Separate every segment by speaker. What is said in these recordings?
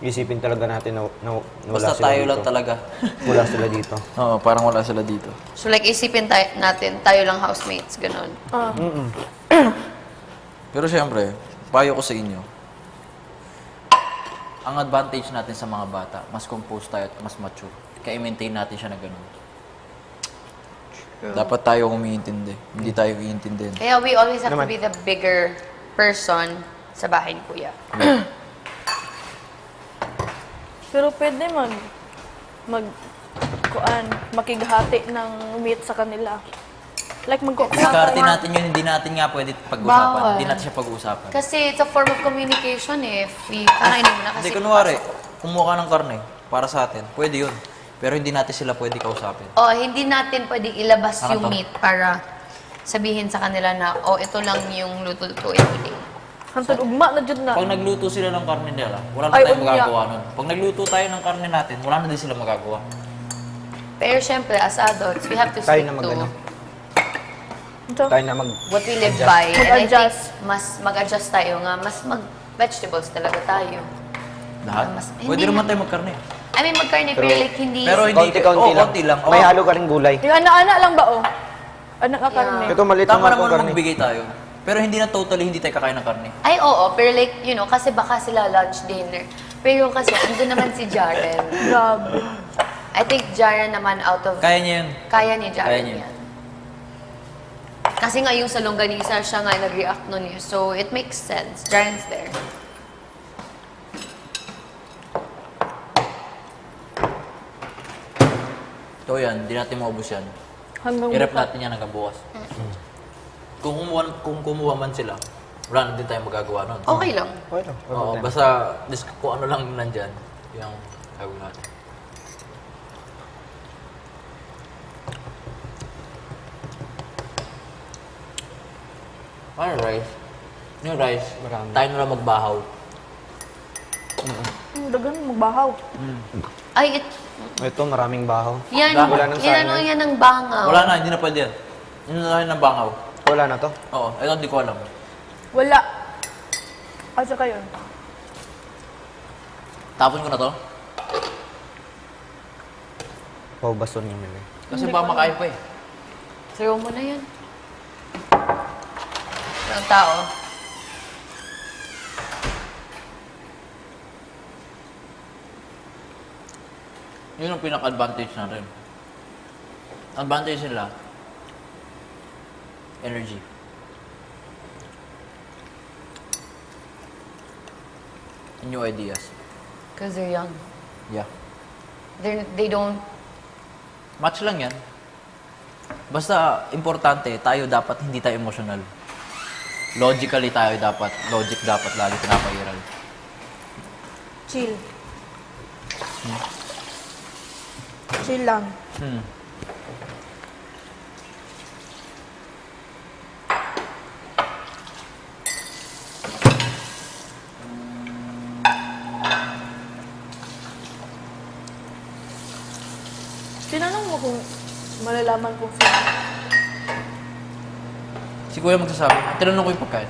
Speaker 1: Isipin talaga natin na wala
Speaker 2: Basta
Speaker 1: sila
Speaker 2: tayo
Speaker 1: dito.
Speaker 2: lang talaga.
Speaker 1: Wala sila dito.
Speaker 2: Oo, parang wala sila dito.
Speaker 3: So like, isipin natin, tayo lang housemates, ganun.
Speaker 2: Pero syempre, payo ko sa inyo, ang advantage natin sa mga bata, mas composed tayo at mas mature. Kaya i-maintain natin siya na ganun. Dapat tayo umiintindi. Hindi tayo iintindi.
Speaker 3: Kaya we always have
Speaker 1: Naman.
Speaker 3: to be the bigger person sa bahay ni Kuya.
Speaker 4: Pero pwede makighati ng meat sa kanila. Like
Speaker 2: Diskarte natin yun, hindi natin nga pwede pag-usapan.
Speaker 3: Bawal.
Speaker 2: Hindi natin siya pag-uusapan.
Speaker 3: Kasi it's a form of communication eh. If we kakainin mo na kasi...
Speaker 2: Hindi, kunwari, kumuha ka ng karne para sa atin, pwede yun. Pero hindi natin sila pwede kausapin.
Speaker 3: Oh, hindi natin pwedeng ilabas
Speaker 2: Saka
Speaker 3: yung
Speaker 2: to.
Speaker 3: meat para sabihin sa kanila na, oh, ito lang yung luto-luto everyday.
Speaker 4: Hantod ugma na jud na.
Speaker 2: Pag nagluto sila ng karne nila, wala na
Speaker 4: Ay,
Speaker 2: tayong
Speaker 4: umiyak.
Speaker 2: magagawa nun. Pag nagluto tayo ng karne natin, wala na din sila magagawa.
Speaker 3: Pero syempre, as adults, we have to
Speaker 1: Tayo
Speaker 3: stick
Speaker 1: na
Speaker 3: to
Speaker 1: mag-ano.
Speaker 4: Ito.
Speaker 1: Tayo na mag...
Speaker 3: what we live by. And I think
Speaker 4: Mag-adjust.
Speaker 3: mas mag-adjust tayo nga, mas mag-vegetables talaga tayo.
Speaker 2: Lahat?
Speaker 3: Mas-
Speaker 2: Pwede
Speaker 3: hindi
Speaker 2: naman
Speaker 3: na-
Speaker 2: tayo magkarne.
Speaker 3: I mean, magkarne, pero
Speaker 1: Pero-
Speaker 3: like hindi...
Speaker 2: Pero hindi,
Speaker 1: Konti-konti lang.
Speaker 2: konti lang.
Speaker 1: May halo ka rin gulay.
Speaker 4: Yung anak-anak lang ba oh? Anak ka karne.
Speaker 1: Ito maliit
Speaker 2: Tama
Speaker 1: naman
Speaker 2: naman
Speaker 1: itong karne.
Speaker 2: magbigay tayo. Pero hindi na totally hindi tayo kakain ng karne.
Speaker 3: Ay, oo, pero like, you know, kasi baka sila lunch, dinner. Pero kasi, andun naman si Jaren.
Speaker 4: Grabe.
Speaker 3: I think Jaren naman out of...
Speaker 2: Kaya niya yun.
Speaker 3: Kaya ni
Speaker 2: Kaya
Speaker 3: Jaren
Speaker 2: niya.
Speaker 3: yan. Kasi nga yung sa longganisa, siya nga nag-react nun eh. So, it makes sense. Jaren's there.
Speaker 2: Ito yan, hindi natin maubos yan.
Speaker 4: Hanggang
Speaker 2: I-rep
Speaker 4: bukas.
Speaker 2: natin yan hanggang bukas. Kung kumuha man sila, wala na din tayong magagawa nun.
Speaker 3: Okay lang.
Speaker 1: Okay lang. Walang
Speaker 2: Oo,
Speaker 1: problema.
Speaker 2: basta kung ano lang nandyan, yung gagawin natin. Ano rice? Yung rice,
Speaker 1: Marami.
Speaker 2: tayo na lang magbahaw.
Speaker 4: Dagan magbahaw.
Speaker 3: Ay,
Speaker 1: Ito, maraming bahaw.
Speaker 3: yan,
Speaker 1: Wala nang
Speaker 3: yan,
Speaker 1: sayang
Speaker 3: ano,
Speaker 1: yan.
Speaker 3: yan ang bangaw.
Speaker 2: Wala na, hindi na pwede yan. Yun na lang ng bangaw.
Speaker 1: Wala na to.
Speaker 2: Oo, ito hindi ko alam.
Speaker 4: Wala. Asa kayo?
Speaker 2: Tapon ko na to.
Speaker 1: Paubason yung nila.
Speaker 2: Kasi baka makain pa eh.
Speaker 3: Throw mo na yan. Ang tao.
Speaker 2: Yun ang pinaka-advantage natin. Advantage nila, energy. And new ideas.
Speaker 3: Because they're young.
Speaker 2: Yeah.
Speaker 3: They don't...
Speaker 2: Match lang yan. Basta, importante, tayo dapat hindi tayo emotional. Logically tayo dapat. Logic dapat lagi pinapairal.
Speaker 4: Chill. Chill lang.
Speaker 2: Hmm.
Speaker 4: Tinanong mo kung malalaman kung sino.
Speaker 2: Si Kuya magsasabi, tinanong ko yung pagkain.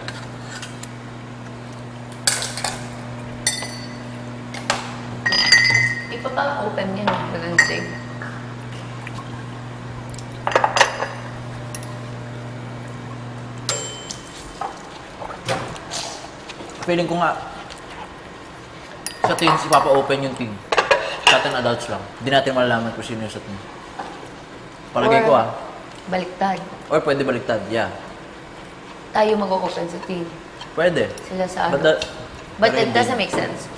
Speaker 3: Ipapa-open yan. Wednesday.
Speaker 2: Feeling ko nga, sa teens, ipapa-open yung team. Sa atin, adults lang. Hindi natin malalaman kung sino yung sa team. Palagay ko
Speaker 3: Baliktad.
Speaker 2: Or pwede baliktad, yeah.
Speaker 3: Tayo mag-open sa team.
Speaker 2: Pwede.
Speaker 3: Sila sa
Speaker 2: But,
Speaker 3: ano. But
Speaker 2: pero
Speaker 3: it
Speaker 2: hindi.
Speaker 3: doesn't make sense.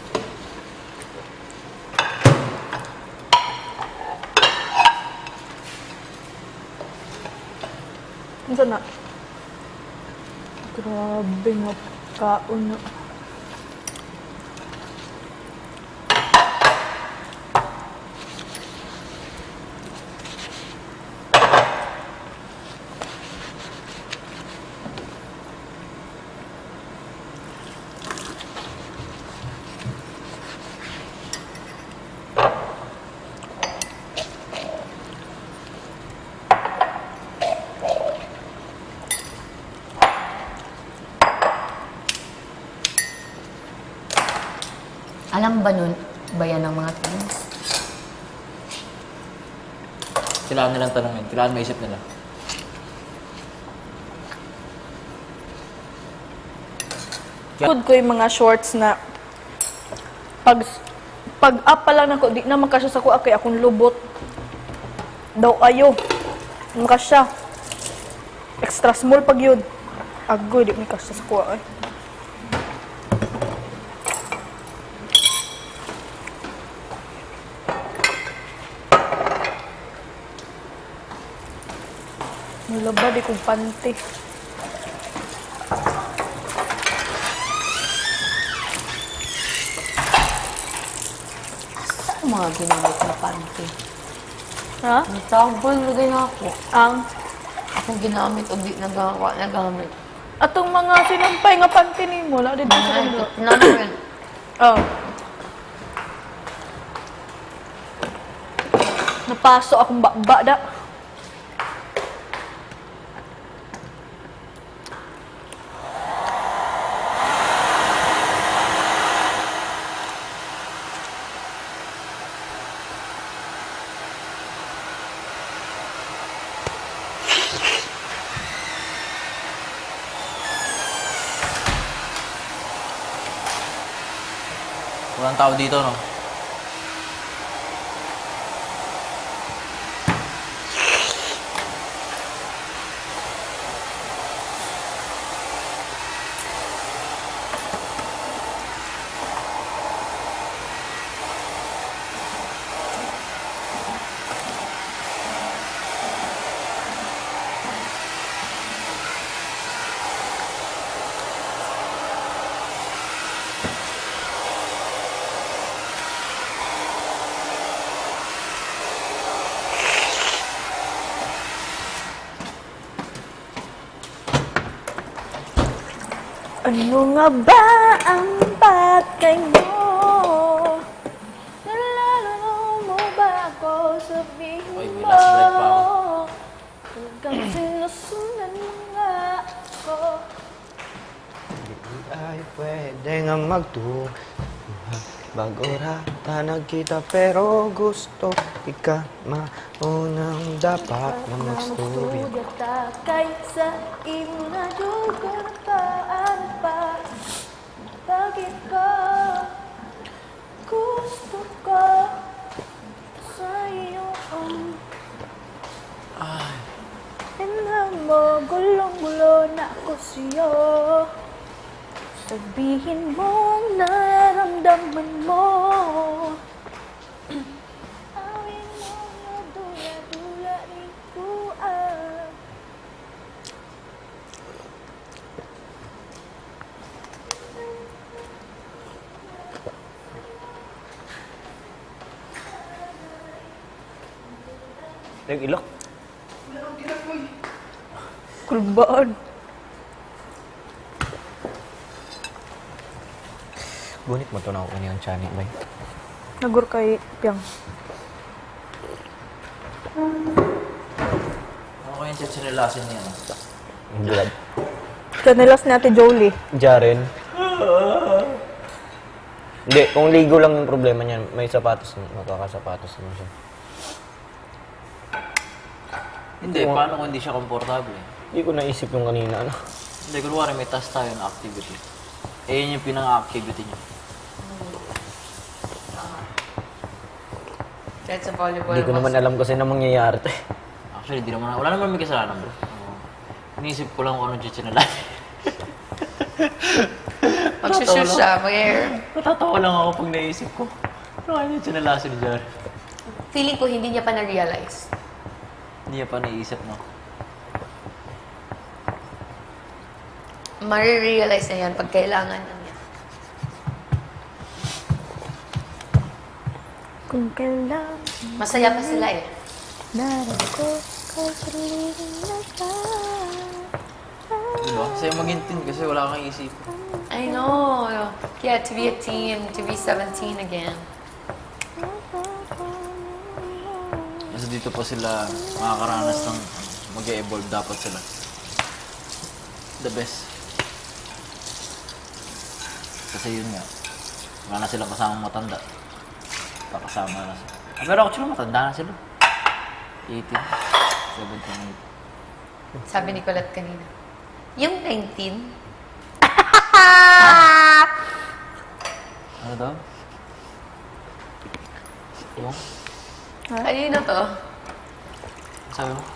Speaker 4: Ano na? Grabe nga kaon na.
Speaker 3: Alam ba nun, bayan ng mga teens?
Speaker 2: Kailangan nilang tanongin. Kailangan maisip nila.
Speaker 4: Good ko yung mga shorts na pag up pa lang ako, di na makasya sa kuha kay akong lubot. Daw ayo. Makasya. Extra small pag yun. Agoy, di makasya sa kuha ay. Malaba di kong panty.
Speaker 3: Saan mga ginamit na panty?
Speaker 4: Ha?
Speaker 3: Nagtawag lagay na ako.
Speaker 4: Ang
Speaker 3: Akong ginamit o di nagamit.
Speaker 4: atong mga sinampay nga panty ni mo, la dito sa kundo.
Speaker 3: Namin.
Speaker 4: Oh. Napaso akong bakba da.
Speaker 2: Walang tao dito, no?
Speaker 4: Ano nga ba ang bagay mo? Nalala mo ba ako? Sabihin
Speaker 2: Oy, may
Speaker 4: mo.
Speaker 2: last break pa ako.
Speaker 4: Hanggang sinusunan mo nga ako.
Speaker 1: Hindi ay pwede nga magtuwa. Bago rata nagkita pero gusto ika maunang dapat na magsturya.
Speaker 4: Sugata kaysa imo na dugo na paan pa. Bakit ka gusto ko sa iyo? Tingnan mo, gulong-gulo na ako sa'yo. Sabihin mo nararamdaman mo. Awin mo na dula-dula rin kuan.
Speaker 1: Yung ilok.
Speaker 4: Kulbaan.
Speaker 1: Gunit mo to na ako kaniyang chani, bay.
Speaker 4: Nagur kay Piang.
Speaker 2: Ano kaya yung chichirilasin niya, no?
Speaker 1: Ang bulag.
Speaker 4: Kanilas ni Ate Jolie.
Speaker 1: Jaren. Hindi, kung ligo lang yung problema niyan, may sapatos na, magkakasapatos naman siya.
Speaker 2: Hindi, paano kung hindi siya komportable?
Speaker 1: Hindi ko naisip yung kanina, ano.
Speaker 2: Hindi, kunwari may task tayo na activity. Eh, yun yung pinang-activity niya.
Speaker 3: Kahit sa volleyball.
Speaker 1: Hindi ko naman alam kasi na mangyayari to eh.
Speaker 2: Actually, di naman, wala naman may kasalanan, bro. Iniisip ko lang kung ano chichirilasin.
Speaker 3: Magsushoot siya, mag-air.
Speaker 2: Natatawa lang ako pag naisip ko. Ano kaya yung chichirilasin ni Jar?
Speaker 3: Feeling ko hindi niya pa na-realize.
Speaker 2: Hindi niya pa naisip, no?
Speaker 3: Marirealize na yan pag kailangan na niya.
Speaker 4: Kung kailan
Speaker 3: Masaya pa sila eh.
Speaker 4: narin ko kay sarili na ka.
Speaker 2: Diba? Sa'yo maghintin kasi wala kang isip.
Speaker 3: I know. Yeah, to be a teen, to be 17 again.
Speaker 2: Kasi dito pa sila makakaranas ng mag-e-evolve dapat sila. The best. Kasi yun nga, Wala na silang kasamang matanda. Kakasama na sila. Pero actually, matanda na sila. 18, 17, 18.
Speaker 3: Sabi ni Colette kanina. Yung 19,
Speaker 2: Ano daw? Yung?
Speaker 3: kanino to?
Speaker 2: Sabi mo?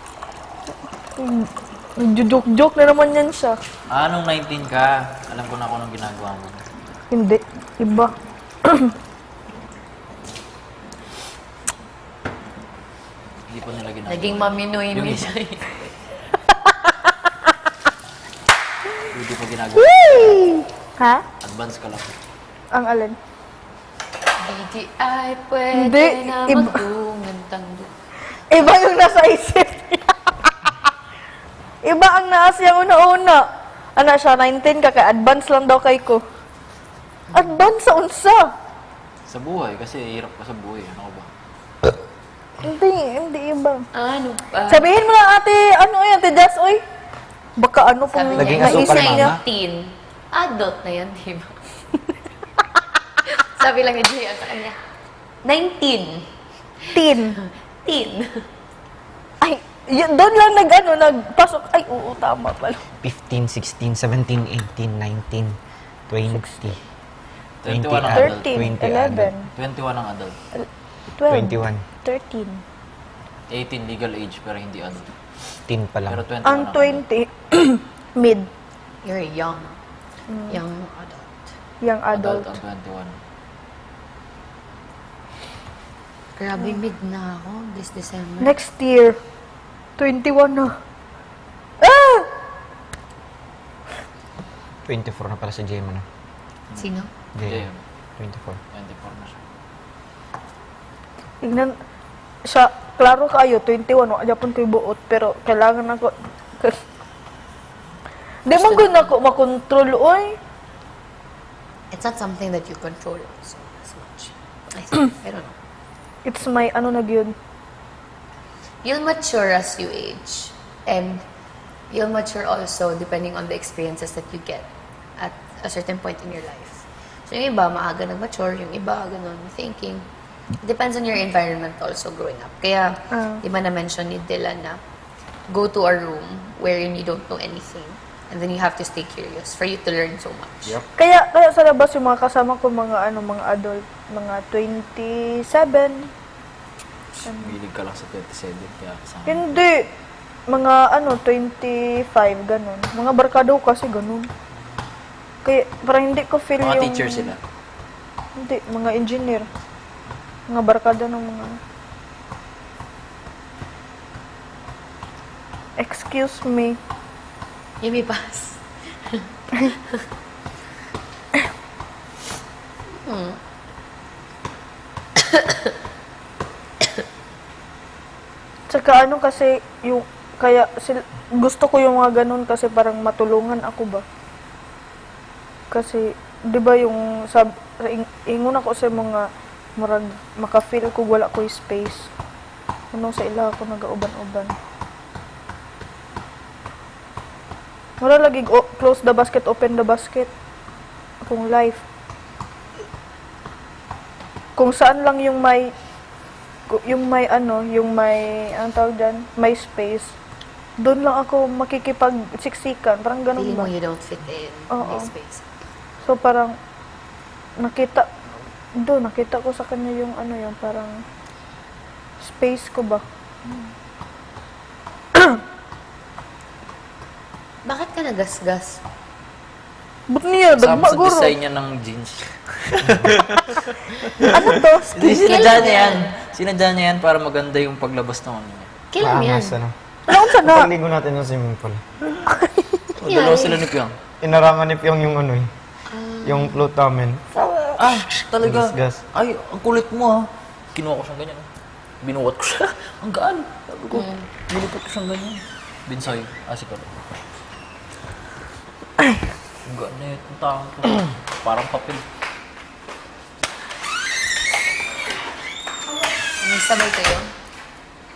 Speaker 4: Nagjo-joke na naman yan siya.
Speaker 2: Nung 19 ka, alam ko na kung anong ginagawa mo.
Speaker 4: Hindi. Iba.
Speaker 2: Hindi pa nila ginagawa.
Speaker 3: Naging maminoy
Speaker 2: Yung
Speaker 3: ni
Speaker 2: isa.
Speaker 3: Jay.
Speaker 2: Hindi pa ginagawa.
Speaker 4: Ha?
Speaker 2: Advance ka lang.
Speaker 4: Ang alin?
Speaker 3: Hindi ay pwede
Speaker 4: Hindi,
Speaker 3: na
Speaker 4: iba.
Speaker 3: magdungantang
Speaker 4: Iba yung nasa isip niya. Iba ang naas yung una-una. Ano siya, 19 ka, kaya advance lang daw kay ko. Advance sa unsa?
Speaker 2: Sa buhay, kasi hirap ka sa buhay. Ano ba?
Speaker 4: Hindi iba.
Speaker 3: Ano pa?
Speaker 4: Sabihin mo lang ate, ano yan, ate Jazz, oy. Baka ano pong
Speaker 3: Sabi
Speaker 1: Naging
Speaker 3: niya,
Speaker 1: asukal
Speaker 4: naisip
Speaker 1: mama.
Speaker 4: niya.
Speaker 3: 19. Adult na yan, di ba? Sabi lang ni Jay sa kanya, 19.
Speaker 4: Teen.
Speaker 3: Teen.
Speaker 4: Ay, yun, doon lang nagpasok. Ay, oo, tama pala.
Speaker 1: 15, 16, 17, 18, 19, 20.
Speaker 2: 21 ang
Speaker 1: adult,
Speaker 4: 13,
Speaker 1: 20 adult.
Speaker 4: 11,
Speaker 2: 21 ang adult.
Speaker 4: 12,
Speaker 1: 21.
Speaker 4: 13.
Speaker 2: 18 legal age pero hindi adult.
Speaker 1: 10 pa lang.
Speaker 2: Pero 21
Speaker 4: Ang 20, mid.
Speaker 3: You're young. Young adult.
Speaker 4: Young
Speaker 2: adult.
Speaker 4: adult.
Speaker 2: Ang 21.
Speaker 3: Grabe, mid na ako this December.
Speaker 4: Next year, 21 na. Ah!
Speaker 1: 24 na pala si Jema na.
Speaker 3: Sino?
Speaker 2: Jay,
Speaker 1: Jema. 24.
Speaker 2: 24 na siya.
Speaker 4: Tignan, siya, klaro kayo, 21, wala Japon ko'y buot, pero kailangan ako, di man ko na ako makontrol, oy.
Speaker 3: It's not something that you control so as much. I don't know.
Speaker 4: It's my, ano na yun,
Speaker 3: You'll mature as you age. And you'll mature also depending on the experiences that you get at a certain point in your life. So yung iba, maaga nag-mature. Yung iba, ganun, thinking. It depends on your environment also growing up. Kaya, di ba na-mention ni Dylan na go to a room wherein you don't know anything. And then you have to stay curious for you to learn so much.
Speaker 2: Yep.
Speaker 4: Kaya sa labas yung mga kasama ko, mga adult, mga 27.
Speaker 2: Bilig ka lang sa 27 kaya kasama.
Speaker 4: Hindi. Mga 25, ganun. Mga barkado kasi ganun. Kaya parang hindi ko feel
Speaker 2: Mga
Speaker 4: yung...
Speaker 2: teacher sila.
Speaker 4: Hindi, mga engineer. Mga barkada ng mga... Excuse me.
Speaker 3: Yumi pass.
Speaker 4: Tsaka ano kasi, yung... Kaya gusto ko yung mga ganun kasi parang matulungan ako ba. Kasi, di ba yung... Ingon ako sa mga... Murag, maka-feel ko wala ko yung space. Ano sa ila ako nag-auban-uban. Mura lagi close the basket, open the basket. Akong life. Kung saan lang yung may ang tawag dyan, may space. Doon lang ako makikipag-siksikan. Parang ganun
Speaker 3: Feeling
Speaker 4: ba?
Speaker 3: mo you don't fit in
Speaker 4: Oo.
Speaker 3: this space.
Speaker 4: So parang nakita ko sa kanya yung yung parang space ko ba.
Speaker 3: Bakit ka nagasgas?
Speaker 4: Ba't niya?
Speaker 2: Kasama
Speaker 4: Dagma
Speaker 2: sa
Speaker 4: guro.
Speaker 2: design niya ng jeans.
Speaker 4: Ano to?
Speaker 2: Sinadya niya yan. Sinadya niya yan para maganda yung paglabas ng ano niya.
Speaker 3: Kailan yan?
Speaker 1: Maangas, ano?
Speaker 4: Ano sa na?
Speaker 1: Pagligo natin ng swimming pool.
Speaker 2: O, dalawa sila ni Pyong.
Speaker 1: Inarangan ni Pyong yung ano eh. Yung float namin.
Speaker 2: Talaga.
Speaker 1: Gas.
Speaker 2: Ay, ang kulit mo ha. Kinuha ko siyang ganyan. Binuwat ko siya. Ang gaan. Sabi ko, nilipot ko siyang ganyan. Binsoy. Si Karo. Ang gaan na itong tao ko. Parang papel.
Speaker 3: May sabay kayo?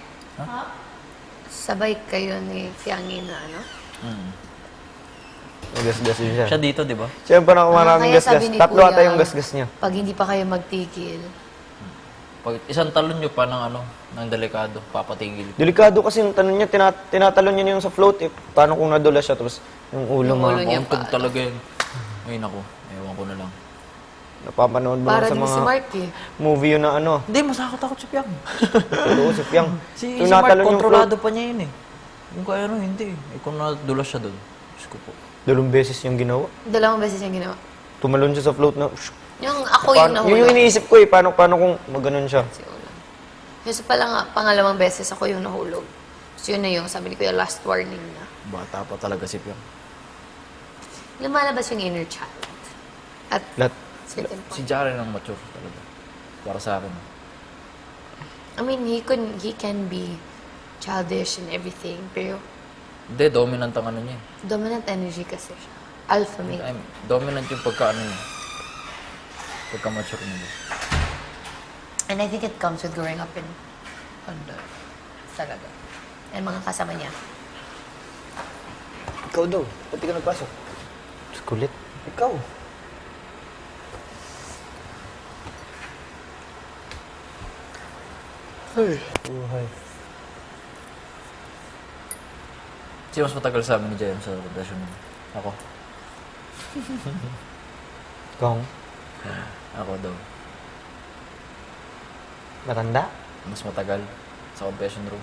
Speaker 3: Sabay kayo ni Fiangin na ano?
Speaker 1: Nagasgas din siya.
Speaker 2: Siya dito, di ba?
Speaker 1: Siya parang maraming
Speaker 3: Kaya
Speaker 1: gasgas.
Speaker 3: sabi ni
Speaker 1: Tatlo
Speaker 3: Kuya,
Speaker 1: ata yung gasgas niya.
Speaker 3: Pag hindi pa kayo magtigil,
Speaker 2: Pag isang talon nyo pa ng ng delikado, papatigil.
Speaker 1: Delikado kasi yung tanong niya, tinatalon niya yung sa float eh. Paano kung nadula siya tapos yung ulo
Speaker 3: Yung
Speaker 1: mo.
Speaker 3: ulo niya.
Speaker 2: Pauntog talaga yun. Ay, naku. Ewan ko na lang.
Speaker 1: Napapanood mo
Speaker 3: para
Speaker 1: lang sa
Speaker 3: din si
Speaker 1: mga
Speaker 3: Mark eh.
Speaker 1: movie yun na ano.
Speaker 2: Hindi, masakot-takot si Piang.
Speaker 1: Totoo si Piang.
Speaker 2: Si
Speaker 1: Yung
Speaker 2: Mark,
Speaker 1: natalon yung
Speaker 2: kontrolado
Speaker 1: float.
Speaker 2: pa niya yun eh. Kung kaya hindi. Eh, kung nadulas siya doon. Diyos ko po.
Speaker 1: 2 beses yung ginawa.
Speaker 3: 2 beses yung ginawa.
Speaker 1: Tumalon siya sa float na...
Speaker 3: Yung ako yung
Speaker 1: Yun yung
Speaker 3: nahulog.
Speaker 1: iniisip ko eh. Paano kung maganon siya?
Speaker 3: Si Ulan. Kasi pala nga, pangalawang beses ako yung nahulog. So yun na yung, sabi ni Kuya, last warning na.
Speaker 2: Bata pa talaga si Piang.
Speaker 3: Lumalabas yung inner child. At
Speaker 1: Lahat.
Speaker 3: certain
Speaker 2: Si
Speaker 3: point.
Speaker 2: Jaren ang mature talaga. Para sa akin.
Speaker 3: I mean, he can be childish and everything, pero
Speaker 2: Hindi, dominant ang ano niya eh.
Speaker 3: dominant energy kasi siya. Alpha male.
Speaker 2: Dominant yung pagka-ano niya. Pagka-mature niya.
Speaker 3: And I think it comes with growing up in Honda. Talaga. And mga kasama niya.
Speaker 5: Ikaw daw, pati ka nagpasok.
Speaker 1: Kulit.
Speaker 5: Ikaw. Ay, buhay.
Speaker 2: Sino mas matagal sa amin ni Jayon sa relasyon niya? Ako.
Speaker 1: Kung
Speaker 2: Ako daw.
Speaker 1: matanda.
Speaker 2: Mas matagal sa confession room.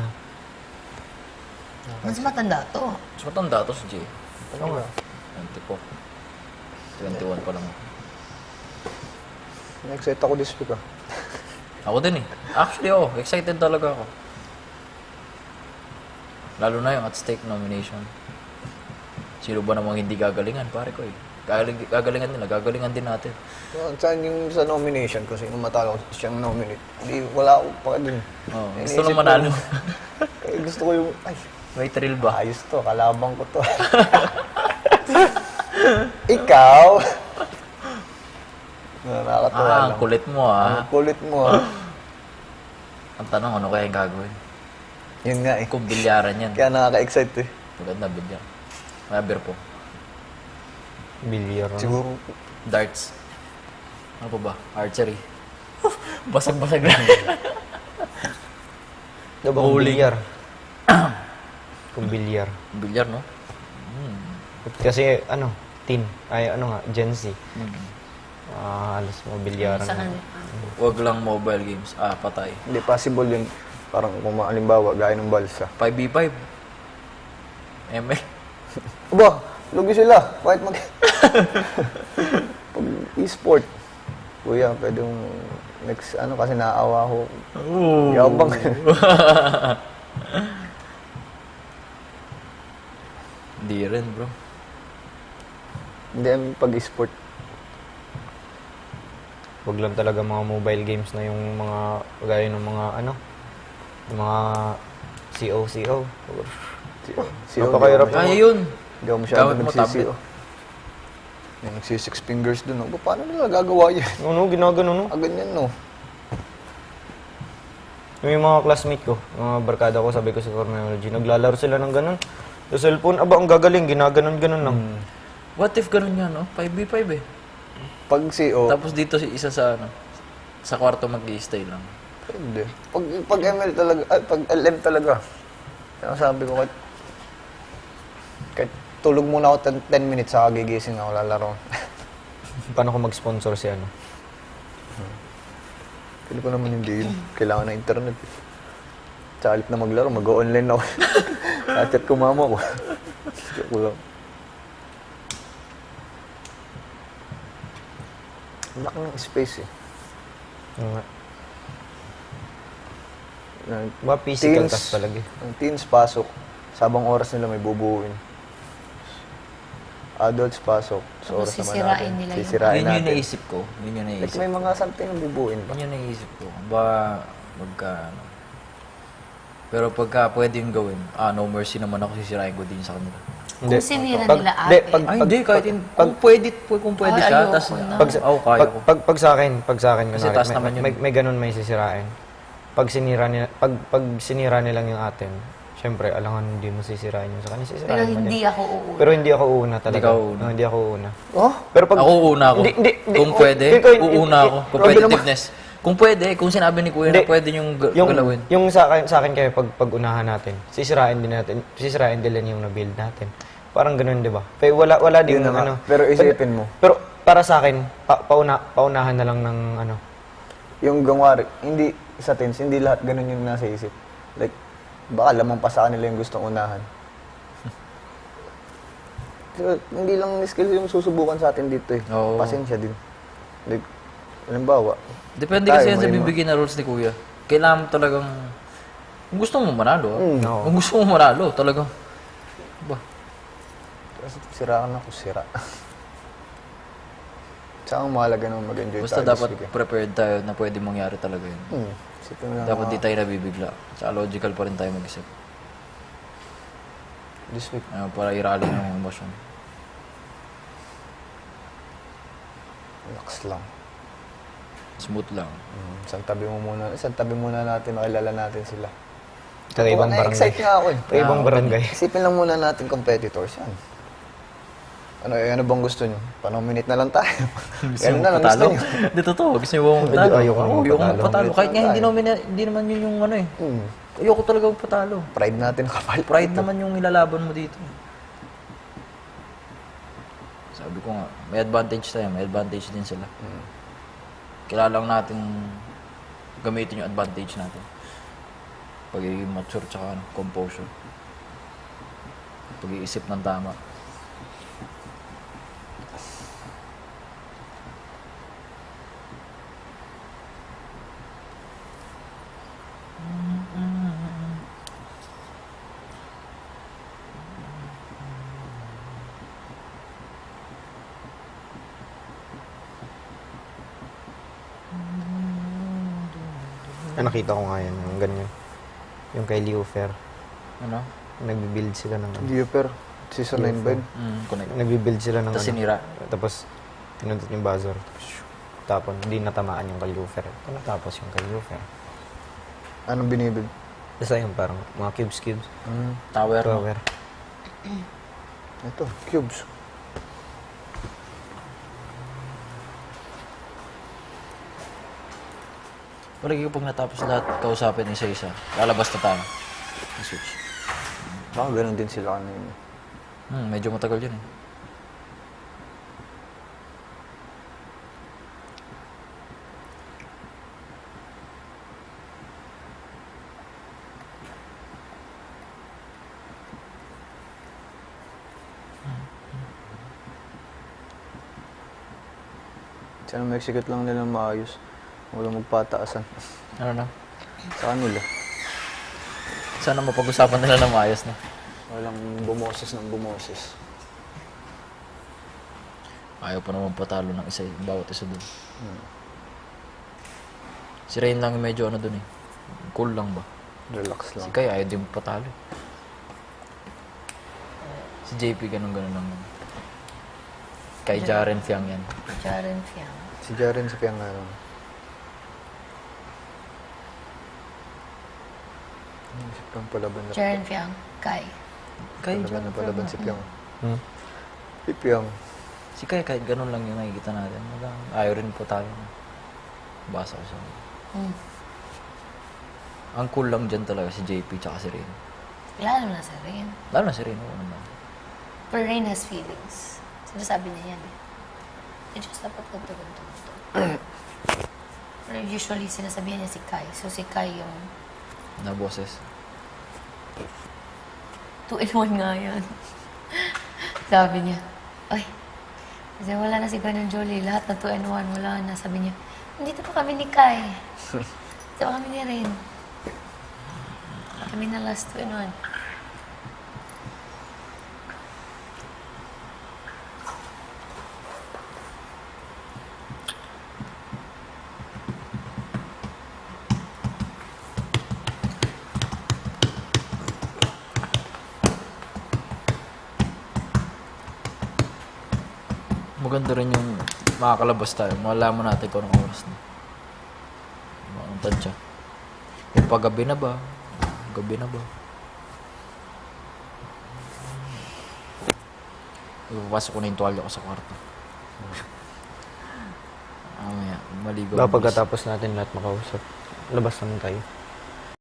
Speaker 3: Mas matanda to.
Speaker 2: Mas matanda to si Jay.
Speaker 1: Oo nga.
Speaker 2: 24. 21 pa lang ako.
Speaker 5: Na-excite ako this week ah.
Speaker 2: Ako din eh. Actually, excited talaga ako. Lalo na yung at stake nomination. Sino ba namang hindi gagalingan, pare ko eh. Gagalingan nila, gagalingan din natin.
Speaker 5: Saan yung sa nomination ko, sino matalo siyang nominate? Hindi, wala ako pa dun.
Speaker 2: Oh,
Speaker 5: Eh,
Speaker 2: gusto
Speaker 5: naisip
Speaker 2: nang
Speaker 5: ko,
Speaker 2: manalo.
Speaker 5: Kaya gusto ko yung, ay,
Speaker 2: May thrill ba?
Speaker 5: ayos to, kalabang ko to. Ikaw? Nakakatawa
Speaker 2: Ang
Speaker 5: lang.
Speaker 2: kulit mo ah.
Speaker 5: Ang kulit mo ah.
Speaker 2: Ang tanong, ano kaya yung gagawin?
Speaker 5: Yun nga eh.
Speaker 2: Kung bilyaran yan.
Speaker 5: Kaya nakaka-excite eh.
Speaker 2: Maganda, bilyar. Maber po.
Speaker 1: Bilyar.
Speaker 5: Siguro,
Speaker 2: Darts. Ano pa ba? Archery. Basag-basag lang.
Speaker 1: Diba kung
Speaker 2: Bowling.
Speaker 1: bilyar? Kung bilyar.
Speaker 2: Bilyar, no?
Speaker 1: Kasi ano, teen. Ay ano nga, Gen Z. Alas mo, bilyaran
Speaker 3: Sa
Speaker 1: na.
Speaker 3: kanya.
Speaker 2: Huwag lang mobile games. Patay.
Speaker 5: hindi possible yun. Parang kung halimbawa, gaya ng balsa.
Speaker 2: 5v5. ML.
Speaker 5: Aba, lugi sila. Kahit mag... Pag e-sport. Kuya, pwede yung next, ano, kasi naaawa ko. Yabang.
Speaker 2: Hindi rin, bro.
Speaker 5: Hindi, I mean, pag e-sport.
Speaker 1: Huwag lang talaga mga mobile games na yung mga, gaya ng mga ano, yung mga CO. Napakahirap.
Speaker 2: Kaya yun.
Speaker 5: Hindi ako masyado
Speaker 2: Gamit mo
Speaker 5: nagsisiyo. Yung nagsi-6 fingers dun. Oh. Paano nila gagawa yan?
Speaker 1: Ano, ginagano, no?
Speaker 5: Ganyan, no?
Speaker 1: Yung mga classmate ko, mga barkada ko, sabi ko sa criminology, naglalaro sila ng ganun. Sa cellphone, aba, ang gagaling, ginaganon-ganon lang.
Speaker 2: What if ganun yan, no? 5v5 eh.
Speaker 5: Pag CO,
Speaker 2: Tapos dito si isa sa sa kwarto mag-i-stay lang.
Speaker 5: hindi. Pag ML talaga, pag LM talaga. Kaya sabi ko, kahit tulog muna ako 10 minutes, saka gigising ako, lalaro.
Speaker 1: Paano ko mag-sponsor si ano?
Speaker 5: Pili ko naman hindi yun. Kailangan ng internet. Sa halip na maglaro, mag-online ako. Chat ko mama ko. Joke lang. Ang laki ng space eh.
Speaker 1: Ano nga?
Speaker 5: Na-
Speaker 1: Mga physical
Speaker 5: Teens.
Speaker 1: task talaga eh.
Speaker 5: Ang teens pasok, sabang oras nila may bubuuin. Adults pasok, sa
Speaker 3: Tapos
Speaker 5: oras naman
Speaker 3: sisirain
Speaker 5: natin.
Speaker 3: nila yung-
Speaker 5: Sisirain
Speaker 2: Yun yung
Speaker 5: natin.
Speaker 2: naisip ko. Yun yung
Speaker 5: Like
Speaker 2: naisip
Speaker 5: may mga something na bubuuin pa.
Speaker 2: Yun yung naisip ko. Ba, Pero pagka pwede yung gawin, no mercy naman ako, sisirain ko din sa kanila.
Speaker 1: Hindi.
Speaker 3: Kung sinira
Speaker 1: Pag-
Speaker 3: nila
Speaker 1: hindi,
Speaker 3: ate.
Speaker 1: pag-
Speaker 2: Ay, hindi, kahit kung pwede
Speaker 3: Ay,
Speaker 2: siya,
Speaker 3: ayoko
Speaker 2: tas,
Speaker 3: na.
Speaker 2: kaya ko.
Speaker 1: Pag sa akin,
Speaker 2: Kasi
Speaker 1: kunwari,
Speaker 2: taas naman yun.
Speaker 1: may ganun may sisirain. Pag sinira nilang yung atin, syempre, alangan hindi mo sisirain yung sa kanya. Sisirain
Speaker 3: Pero
Speaker 1: mo
Speaker 3: hindi
Speaker 1: din.
Speaker 3: ako uuna.
Speaker 1: Pero hindi ako uuna talaga.
Speaker 2: Hindi ka uuna.
Speaker 1: Hindi ako uuna.
Speaker 5: Oh?
Speaker 1: Pero pag...
Speaker 2: Ako uuna ako.
Speaker 1: Hindi,
Speaker 2: Kung pwede, uuna ako.
Speaker 5: Grabe
Speaker 2: Competitiveness. Kung pwede, kung sinabi ni Kuya na pwede yung galawin.
Speaker 1: Yung sa akin kayo, pag unahan natin, sisirain din yung na-build natin. Parang ganun, di ba? Pero wala din
Speaker 5: Yun na nga.
Speaker 1: ano.
Speaker 5: Pero isipin mo.
Speaker 1: Pero para sa akin, paunahan na lang ng ano.
Speaker 5: Yung gawari, hindi sa teams, hindi lahat ganun yung nasa isip. Like, baka lamang pa sa kanila yung gustong unahan. So, hindi lang skill yung susubukan sa atin dito eh.
Speaker 2: Oo.
Speaker 5: Pasensya din. Like, halimbawa,
Speaker 2: Depende
Speaker 5: tayo,
Speaker 2: kasi yan sa
Speaker 5: may-
Speaker 2: bibigyan na rules ni Kuya. Kailangan mo talagang... Kung gusto mo manalo,
Speaker 1: Oo.
Speaker 2: Kung gusto mo manalo, talagang... Ba?
Speaker 5: siraan ako, sira. Tsaka ang mahalaga naman mag-enjoy
Speaker 2: Basta
Speaker 5: tayo.
Speaker 2: dapat
Speaker 5: this weekend.
Speaker 2: prepared tayo na pwede mangyari talaga yun.
Speaker 5: Isipin mo lang
Speaker 2: Dapat
Speaker 5: mga-
Speaker 2: di tayo nabibigla. Tsaka logical pa rin tayo mag-isip.
Speaker 5: This week.
Speaker 2: Para i-rally ng emosyon.
Speaker 5: Relax lang.
Speaker 2: Smooth lang.
Speaker 5: Isang tabi muna natin, makilala natin sila.
Speaker 1: Kakaibang barangay.
Speaker 5: Na-excite nga ako eh.
Speaker 1: Kakaibang barangay.
Speaker 5: Isipin lang muna natin competitors yan. Ano bang gusto nyo? Panominate na lang tayo. Ganun na lang gusto nyo.
Speaker 2: Hindi totoo. Gusto nyo ba magpatalo?
Speaker 1: Ayoko naman
Speaker 2: Ayoko
Speaker 1: magpatalo.
Speaker 2: magpatalo. Kahit nga
Speaker 5: Tayo.
Speaker 2: hindi naman yun yung ano eh.
Speaker 5: Hmm.
Speaker 2: Ayoko talaga magpatalo.
Speaker 5: Pride natin kapal.
Speaker 2: Pride naman yung ilalaban mo dito. Sabi ko nga, may advantage tayo. May advantage din sila. Kailangan lang natin gamitin yung advantage natin. Pagiging mature tsaka composure. Pag-iisip ng tama.
Speaker 1: Nakita ko nga yan, yung ganyan. Yung kay Leo Fair.
Speaker 2: Ano?
Speaker 1: Nagbi-build sila ng ano.
Speaker 5: Giyuper. Season 9 ba yun?
Speaker 2: Connect.
Speaker 1: Nagbi-build sila ng
Speaker 2: Tapos sinira.
Speaker 1: Tapos, pinundot yung buzzer. Tapon, hindi natamaan yung kay Leo Fair. Ito natapos yung kay Leo Fair.
Speaker 5: Anong binibig?
Speaker 1: Basta yung parang mga cubes.
Speaker 2: Tower. no?
Speaker 1: Tower.
Speaker 5: Ito, cubes.
Speaker 2: Palagi ko pag natapos lahat, kausapin isa-isa. Lalabas na tayo. Switch.
Speaker 5: Baka ganun din sila kanina.
Speaker 2: Medyo matagal yun eh.
Speaker 5: Sana mag-execute lang nila maayos. Walang magpataasan.
Speaker 2: Ano na?
Speaker 5: Sa kanila.
Speaker 2: Sana mapag-usapan nila ng maayos na.
Speaker 5: Walang bumoses ng bumoses.
Speaker 2: Ayaw pa naman patalo ng isa, bawat isa dun. Si Rain lang yung medyo ano dun eh. Cool lang ba?
Speaker 5: Relax
Speaker 2: Si
Speaker 5: lang.
Speaker 2: Kai ayaw din patalo. Si JP ganun-ganun lang. Kay Jaren Fiang yan.
Speaker 3: Jaren Fiang.
Speaker 5: Si Jaren sa Piangano. Si Piang palaban na.
Speaker 3: Jaren Fiang. Kai.
Speaker 2: Kai,
Speaker 5: Palaban na palaban si Piang.
Speaker 1: Hmm?
Speaker 5: Si Piang.
Speaker 2: Si Kai kahit ganun lang yung nakikita natin. Ayaw rin patalo. Basa ko sa Ang cool lang dyan talaga si JP tsaka si Rain.
Speaker 3: Lalo na sa Rain.
Speaker 2: Lalo na si Rain. Oo naman.
Speaker 3: Pero Rain has feelings. Sinasabi niya yan eh. Eh, just dapat ganito. Pero usually, sinasabihan niya si Kai. So, si Kai yung
Speaker 2: Na boses.
Speaker 3: 2-in-1 nga yan. Sabi niya, ay, kasi wala na si Gwen and Jolie. Lahat na 2-in-1, wala na. Sabi niya, nandito pa kami ni Kai. Dito pa kami ni Rain. Kami na last 2-in-1.
Speaker 2: Maganda rin yung makakalabas tayo. Malaman natin kung anong oras na. Anong tansya. Kung paggabi na ba? Gabi na ba? Ipapasok ko na yung tuwalya ko sa kwarto. Mamaya, maligo.
Speaker 1: Baka pagkatapos natin lahat makausap, labas naman tayo.